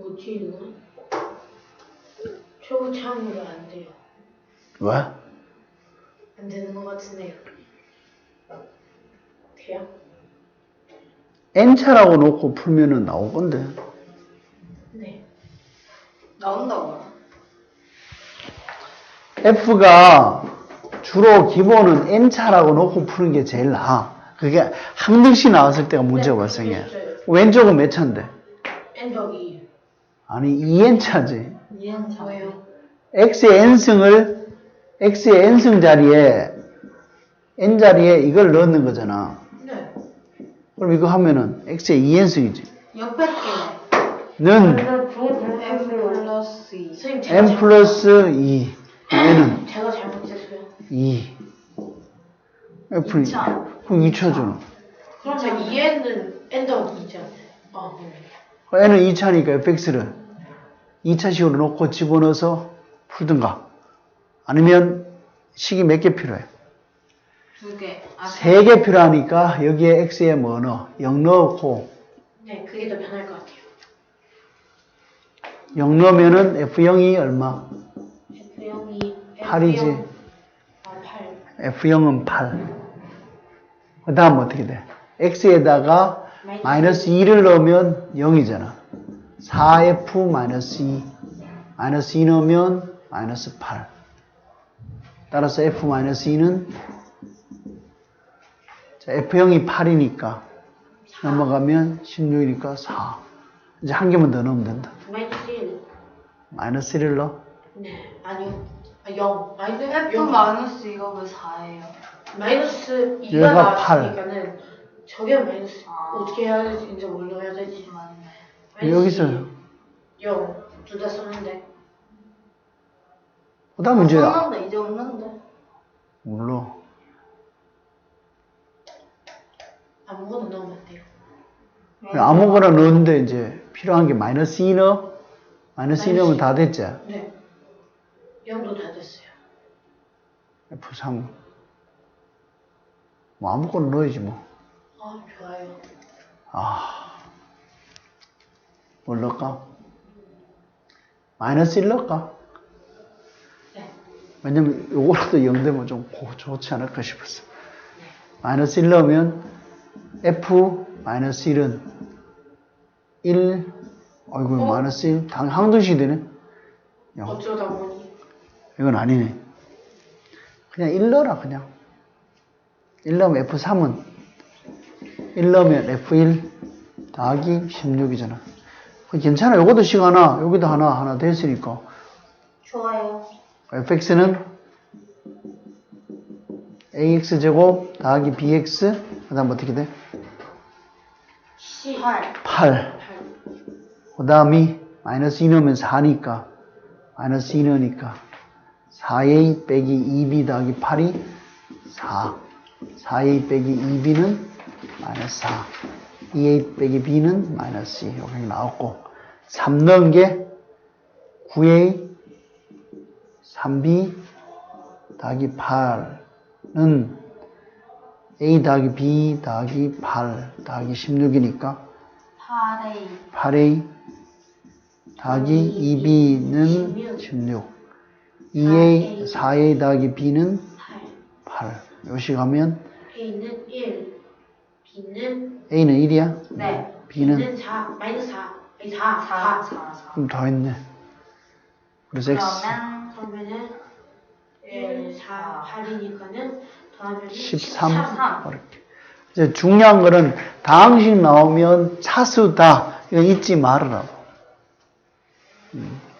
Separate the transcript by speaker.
Speaker 1: 뭐지 이거? 초창으로 안 돼요.
Speaker 2: 왜?
Speaker 1: 안 되는 것 같으네요. 돼요?
Speaker 2: n차라고 놓고 풀면은 나올 건데.
Speaker 1: 네.
Speaker 3: 나온다고요?
Speaker 2: f가 주로 기본은 n차라고 놓고 푸는 게 제일 나아. 그게 한 명씩 나왔을 때가 문제가 발생해. 왼쪽은 몇 차인데?
Speaker 1: n더기
Speaker 2: 아니 2n차지.
Speaker 1: 2n 왜요?
Speaker 2: x의 n승 자리에 n 자리에 이걸 넣는 거잖아.
Speaker 1: 네.
Speaker 2: 그럼 이거 하면은 x의 2n승이지.
Speaker 3: 옆에
Speaker 2: 는
Speaker 3: m 플러스 2.
Speaker 1: 선생님 제가
Speaker 2: n 플러스 2. n은
Speaker 1: 제가 잘못했어요.
Speaker 2: 2. f는
Speaker 3: 2차.
Speaker 2: 그럼 2차잖아.
Speaker 1: 그러면 2n은 n 더기 2잖아요. 아, 네.
Speaker 2: n은 2차니까 fx를 2차식으로 놓고 집어넣어서 풀든가. 아니면 식이 몇 개 필요해?
Speaker 3: 2개. 아,
Speaker 2: 3개 필요하니까 여기에 x에 뭐 넣어? 0 넣고
Speaker 1: 네, 그게 더 편할 것 같아요.
Speaker 2: 0 넣으면은 f0이 얼마?
Speaker 1: F0이
Speaker 2: 8이지.
Speaker 1: 아, 8.
Speaker 2: f0은 8. 그 다음 어떻게 돼? x에다가 마이너스 2를 넣으면 0이잖아. 4f 마이너스 2. 마이너스 2 넣으면 마이너스 8. 따라서 f 마이너스 2는 자, f0이 8이니까 넘어가면 16이니까 4. 이제 한 개만 더 넣으면 된다.
Speaker 1: 마이너스 1.
Speaker 2: 마이너스 1을 넣어.
Speaker 1: 네, 아니요. 아, 0. 마이너스
Speaker 3: F
Speaker 1: 0.
Speaker 3: 마이너스 이거 왜 4예요?
Speaker 1: 마이너스 2가
Speaker 2: 얘가 8.
Speaker 1: 나왔으니까는 저게 마이너스
Speaker 3: 아.
Speaker 1: 어떻게 해야 될지 이제 뭘로 해야 될지.
Speaker 3: 맞네.
Speaker 2: 여기서
Speaker 1: 0. 둘 다 썼는데.
Speaker 2: 그 다음 문제야.
Speaker 3: 썼는데 이제 없는데.
Speaker 2: 몰라.
Speaker 1: 아무거나 넣으면 안 돼요.
Speaker 2: 아무거나 넣었는데 이제 필요한 게 마이너스 2 넣어. 마이너스 2 넣으면 다 됐지.
Speaker 1: 네. 0도 다 됐어요.
Speaker 2: F3. 뭐 아무거나 넣어야지 뭐.
Speaker 1: 아, 좋아요.
Speaker 2: 뭘 넣을까? 마이너스 1 넣을까?
Speaker 1: 네.
Speaker 2: 왜냐면 요거라도 0 되면 좀 좋지 않을까 싶었어. 마이너스 1 넣으면 F 마이너스 1은 1. 아이고 마이너스 1. 항등식이 되네. 야,
Speaker 1: 어쩌다 보니.
Speaker 2: 이건 아니네. 그냥 1 넣어라 그냥. 1 넣으면 F3은 1 넣으면 F1 더하기 16이잖아. 괜찮아. 요것도 식 하나, 여기도 하나 됐으니까.
Speaker 3: 좋아요.
Speaker 2: fx는 ax제곱 더하기 bx 그 다음 어떻게 돼?
Speaker 3: 8.
Speaker 2: 8. 그 다음이 마이너스 2 넣으면 4니까 마이너스 2 넣으니까 4a 빼기 2b 더하기 8이 4. 4a 빼기 2b는 마이너스 4. 2a 빼기 b는 마이너스 2. 이렇게 나왔고 3 넣은 게 9a 3b 더하기 8은 a 더하기 b 더하기 8 더하기 16이니까
Speaker 3: 8A.
Speaker 2: 8a 더하기 2b는 16 2a 4a 더하기 b는 8 요식 하면
Speaker 1: A는 1. B는
Speaker 2: a는 1이야?
Speaker 3: 네.
Speaker 2: b는
Speaker 1: 4. 마이너스 4. 아니 4.
Speaker 3: 4.
Speaker 1: 4.
Speaker 3: 4.
Speaker 2: 그럼 더 했네. 그래서 x
Speaker 1: 그러면은 1, 4, 8이니까는 더하면
Speaker 2: 13
Speaker 3: 13.
Speaker 2: 이렇게. 이제 중요한 거는 다항식 나오면 차수다. 이거 잊지 말으라고.